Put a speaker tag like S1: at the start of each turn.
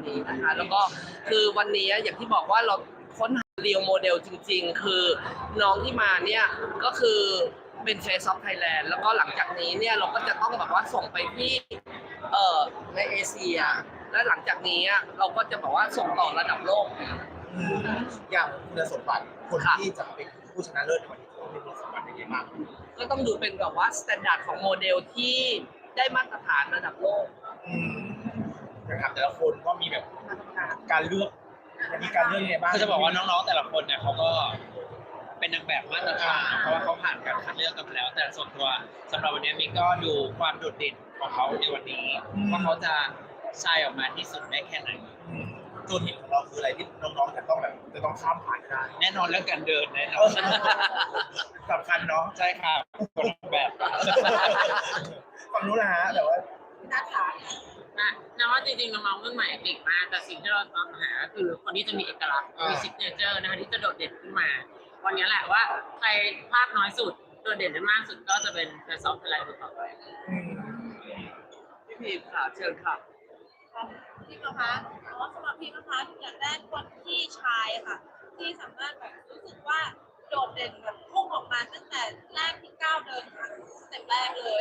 S1: นี้นะคะแล้วก็คือวันนี้อย่างที่บอกว่าเราค้นหาเรียลโมเดลจริงๆคือน้องที่มาเนี่ยก็คือเป็นเฟซออฟไทยแลนด์แล้วก็หลังจากนี้เนี่ยเราก็จะต้องแบบว่าส่งไปที่ในเอเชียและหลังจากนี้เราก็จะบอกว่าส่งต่อระดับโลก
S2: อย่างคุณสมบัติคนที่จะเป็นผู้ชนะเลิศในวันนี้เขาเป็นคุณสมบัติยังไงบ้าง
S1: ก็ต้องดูเป็นแบบว่ามาตรฐานของโมเดลที่ได้มาตรฐานระดับโลก
S2: นะครับแต่ละคนก็มีแบบการเลือกมีการเลือกยังไงบ้าง
S3: คือจะบอกว่าน้องๆแต่ละคนเนี่ยเขาก็เป็นนางแบบมาตรฐานเพราะว่าเขาผ่านการคัดเลือกกันมาแล้วแต่ส่วนตัวสำหรับวันนี้มิกก็ดูความโดดเด่นของเขาในวันนี้ว่าเขาจะชายออกมาที่สุดได้แค่ไหน
S2: ตัวหินของเราคืออะไรที่น้องๆจะต้องแบบจะต้องข้ามผ่านได้
S3: แน่นอนเรื่องการเดินแน่นอน
S2: สำคัญเนาะ
S3: ใช่ครับคนแบบ
S2: ฝั่งนู้นนะฮะแต่ว่า
S4: น่าถามนะว่าจริงๆน้องๆรุ่นใหม่เก่งมากแต่สิ่งที่เราตามหาคือคนที่จะมีเอกลักษณ์มีซิกเนเจอร์นะคะที่จะโดดเด่นขึ้นมาวันนี้แหละว่าใครภาคน้อยสุดโดดเด่นได้มากสุดก็จะเป็นแฟนซอฟต์ไลน์ต่อไป
S1: พี่พีค่ะเชิญค่ะ
S5: พี่นะคะสำหรับพี่นะคะอย่างแรกคนที่ชายค่ะที่สามารถแบบรู้สึกว่าโดดเด่นแบบพุ่งออกมาตั้งแต่แรกที่ก้าวเดินสเต็ปแรกเลย